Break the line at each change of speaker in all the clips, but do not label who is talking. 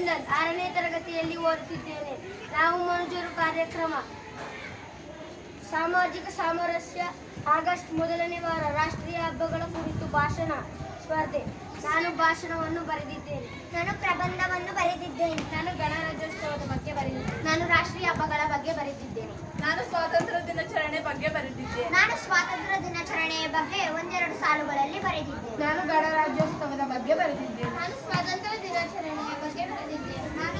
ಅಭಿನಂದನ್, 6ನೇ ತರಗತಿಯಲ್ಲಿ ಓದುತ್ತಿದ್ದೇನೆ. ನಾವು ಮನುಜರು ಕಾರ್ಯಕ್ರಮ ಸಾಮಾಜಿಕ ಸಾಮರಸ್ಯ ಆಗಸ್ಟ್ ಮೊದಲನೇ ವಾರ ರಾಷ್ಟ್ರೀಯ ಹಬ್ಬಗಳ ಕುರಿತು ಭಾಷಣ ಸ್ಪರ್ಧೆ. ನಾನು ಭಾಷಣವನ್ನು ಬರೆದಿದ್ದೇನೆ.
ನಾನು ಪ್ರಬಂಧವನ್ನು ಬರೆದಿದ್ದೇನೆ.
ನಾನು ಗಣರಾಜ್ಯೋತ್ಸವದ ಬಗ್ಗೆ ಬರೆದಿದ್ದೇನೆ.
ನಾನು ರಾಷ್ಟ್ರೀಯ ಹಬ್ಬಗಳ ಬಗ್ಗೆ ಬರೆದಿದ್ದೇನೆ.
ನಾನು ಸ್ವಾತಂತ್ರ್ಯ ದಿನಾಚರಣೆ ಬಗ್ಗೆ ಬರೆದಿದ್ದೇನೆ.
ನಾನು ಸ್ವಾತಂತ್ರ್ಯ ದಿನಾಚರಣೆಯ ಬಗ್ಗೆ ಒಂದೆರಡು ಸಾಲುಗಳಲ್ಲಿ ಬರೆದಿದ್ದೇನೆ.
ನಾನು ಗಣರಾಜ್ಯೋತ್ಸವದ ಬಗ್ಗೆ ಬರೆದಿದ್ದೇನೆ.
ನಾನು ಸ್ವಾತಂತ್ರ್ಯ ದಿನಾಚರಣೆಯ ಬಗ್ಗೆ ಬರೆದಿದ್ದೇನೆ. ನಾನು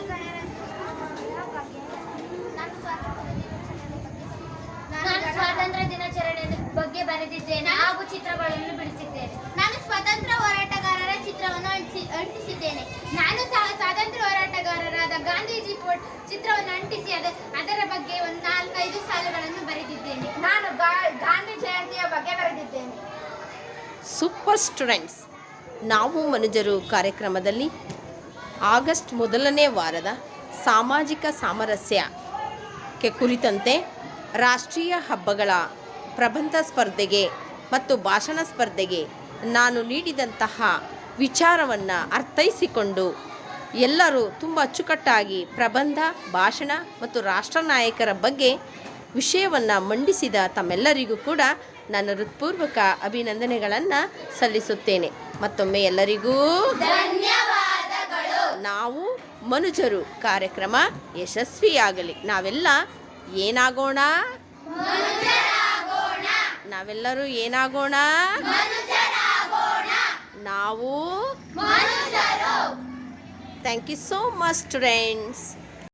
ಸ್ವಾತಂತ್ರ್ಯ ದಿನಾಚರಣೆಯ ಬಗ್ಗೆ ಬರೆದಿದ್ದೇನೆ ಹಾಗೂ ಚಿತ್ರಗಳನ್ನು ಬಿಡಿಸಿದ್ದೇನೆ. ನಾನು ಸ್ವಾತಂತ್ರ್ಯ ಹೋರಾಟಗಾರರ ಚಿತ್ರವನ್ನು ಅಂಟಿಸಿದ್ದೇನೆ. ನಾನು ಸಹ ಸ್ವಾತಂತ್ರ್ಯ ಹೋರಾಟಗಾರರಾದ ಗಾಂಧೀಜಿ ಚಿತ್ರವನ್ನು ಅಂಟಿಸಿ ಅದರ ಬಗ್ಗೆ ಒಂದು 4-5 ಸಾಲುಗಳನ್ನು ಬರೆದಿದ್ದೇನೆ.
ನಾನು ಗಾಂಧಿ ಜಯಂತಿಯ ಬಗ್ಗೆ ಬರೆದಿದ್ದೇನೆ.
ಸೂಪರ್ ಸ್ಟೂಡೆಂಟ್ಸ್, ನಾವು ಮನುಜರು ಕಾರ್ಯಕ್ರಮದಲ್ಲಿ ಆಗಸ್ಟ್ ಮೊದಲನೇ ವಾರದ ಸಾಮಾಜಿಕ ಸಾಮರಸ್ಯಕ್ಕೆ ಕುರಿತಂತೆ ರಾಷ್ಟ್ರೀಯ ಹಬ್ಬಗಳ ಪ್ರಬಂಧ ಸ್ಪರ್ಧೆಗೆ ಮತ್ತು ಭಾಷಣ ಸ್ಪರ್ಧೆಗೆ ನಾನು ನೀಡಿದಂತಹ ವಿಚಾರವನ್ನು ಅರ್ಥೈಸಿಕೊಂಡು ಎಲ್ಲರೂ ತುಂಬ ಅಚ್ಚುಕಟ್ಟಾಗಿ ಪ್ರಬಂಧ, ಭಾಷಣ ಮತ್ತು ರಾಷ್ಟ್ರ ನಾಯಕರ ಬಗ್ಗೆ ವಿಷಯವನ್ನು ಮಂಡಿಸಿದ ತಮ್ಮೆಲ್ಲರಿಗೂ ಕೂಡ ನನ್ನ ಹೃತ್ಪೂರ್ವಕ ಅಭಿನಂದನೆಗಳನ್ನು ಸಲ್ಲಿಸುತ್ತೇನೆ. ಮತ್ತೊಮ್ಮೆ ಎಲ್ಲರಿಗೂ ಧನ್ಯವಾದಗಳು. ನಾವು ಮನುಜರು ಕಾರ್ಯಕ್ರಮ ಯಶಸ್ವಿಯಾಗಲಿ. ನಾವೆಲ್ಲ ಏನಾಗೋಣ? ನಾವೆಲ್ಲರೂ ಏನಾಗೋಣ? ನಾವು. Thank you so much students.